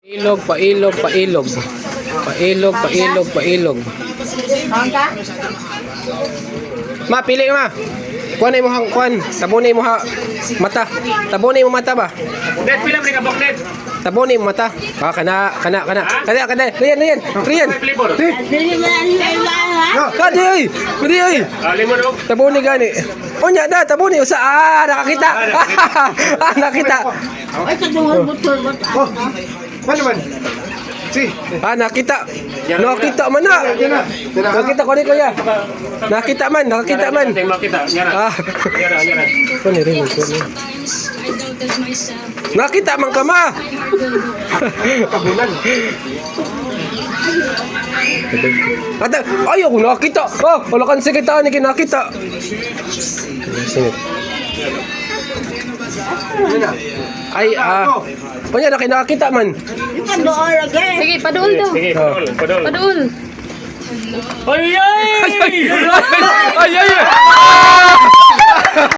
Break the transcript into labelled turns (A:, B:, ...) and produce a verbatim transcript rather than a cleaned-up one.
A: Ilog, pailog, pailog. Pailog, pailog, pailog. Ma, pili ma. Kuan mo hang kuan. Tabuni mo ha mata. Tabuni mo mata ba?
B: Net pila man ka boknet.
A: Tabuni mo mata. Ah, kana, kana, kana. Kana, kana. Riyan, riyan. Riyan.
B: Flavor.
A: Kadi ay. Kadi ay.
B: Ah, lemon og.
A: Tabuni gani. Unya da, tabuni usa. Ah, nakakita. Ah, nakita.
C: Ay, kadungan butol ba?
D: Oh, mana man? Si,
A: Ah, nakita. Nakita man na. Nakita ko ni kuya. Nakita man, nakita man.
B: Tingnan makita. Nyara.
A: Ah.
B: Nyara, nyara.
A: Kuan ni rin, kuan ni. Nakita man ka ma.
D: kabulan.
A: Ata, ayaw ko nakita. Oh, wala kan sekita ni kinakita. Singit. Ay, ah. Kunya na kinakita man.
C: Ikan doon lagi.
E: Sige, paduol daw.
B: Sige, padol, padol.
E: Paduol.
B: Ay ay!
A: Ay, ay, ay.